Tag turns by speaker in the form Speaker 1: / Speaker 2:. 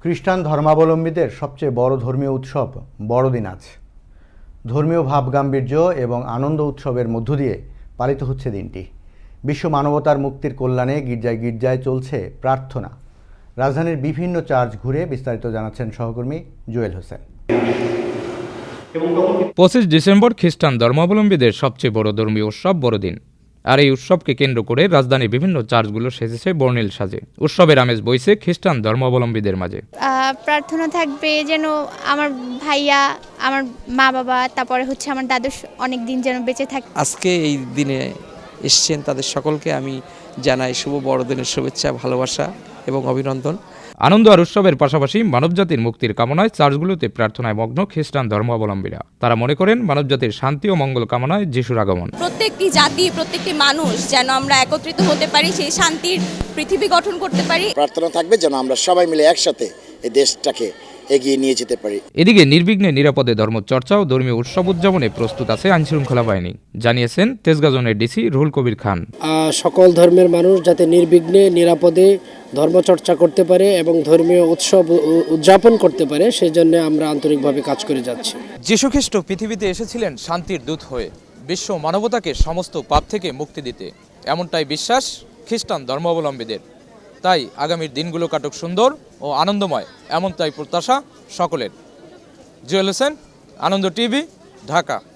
Speaker 1: খ্রিস্টান ধর্মাবলম্বীদের সবচেয়ে বড় ধর্মীয় উৎসব বড়দিন আজ। ধর্মীয় ভাবগাম্ভীর্য এবং আনন্দ উৎসবের মধ্য দিয়ে পালিত হচ্ছে দিনটি। বিশ্ব মানবতার মুক্তির কল্যাণে গির্জায় গির্জায় চলছে প্রার্থনা। রাজধানীর বিভিন্ন চার্চ ঘুরে বিস্তারিত জানাচ্ছেন সহকর্মী জুয়েল হোসেন।
Speaker 2: 25 ডিসেম্বর খ্রিস্টান ধর্মাবলম্বীদের সবচেয়ে বড় ধর্মীয় উৎসব বড়দিন। আর এই উৎসবকে কেন্দ্র করে রাজধানীর বিভিন্ন চার্চগুলো সেজেছে বর্ণিল সাজে। উৎসবের আমেজ বইছে খ্রিস্টান ধর্মাবলম্বীদের মাঝে।
Speaker 3: প্রার্থনা থাকবে যেন আমার ভাইয়া, আমার মা বাবা, তারপরে হচ্ছে আমার দাদু অনেক দিন যেন বেঁচে থাকে।
Speaker 4: আজকে এই দিনে এসছেন তাদের সকলকে আমি জানাই শুভ বড়দিনের শুভেচ্ছা, ভালোবাসা এবং অভিনন্দন।
Speaker 2: আনন্দ আর উৎসবের পাশাপাশি মানবজাতির মুক্তির কামনায় চার্চগুলোতে প্রার্থনায় মগ্ন খ্রিস্টান ধর্মাবলম্বীরা। তারা মনে করেন মানবজাতির শান্তি ও মঙ্গল কামনায় যিশুর আগমন।
Speaker 5: প্রত্যেকটি জাতি, প্রত্যেকটি মানুষ যেন আমরা একত্রিত হতে পারি, সেই শান্তির পৃথিবী গঠন করতে পারি।
Speaker 6: প্রার্থনা থাকবে যেন আমরা সবাই মিলে একসাথে এই দেশটাকে এগিয়ে নিয়ে যেতে পারি।
Speaker 2: এদিকে নির্বিঘ্নে নিরাপদে ধর্মচর্চা ও ধর্মীয় উৎসব উদযাপনে প্রস্তুত আছে আইনশৃঙ্খলা বাহিনী, জানিয়েছেন তেজগাঁ জোনের ডিসি রুহুল কবির খান।
Speaker 7: সকল ধর্মের মানুষ যাতে নির্বিঘ্নে নিরাপদে ধর্মচর্চা করতে পারে এবং ধর্মীয় উৎসব উদযাপন করতে পারে, সেই জন্য আমরা আন্তরিকভাবে কাজ করে যাচ্ছি।
Speaker 2: যীশুখ্রিস্ট পৃথিবীতে এসেছিলেন শান্তির দূত হয়ে, বিশ্ব মানবতাকে সমস্ত পাপ থেকে মুক্তি দিতে। এমনটাই বিশ্বাস খ্রিস্টান ধর্মাবলম্বীদের। তাই আগামীর দিনগুলো কাটুক সুন্দর ও আনন্দময়, এমনটাই প্রত্যাশা সকলের। জুয়েল হোসেন, আনন্দ টিভি, ঢাকা।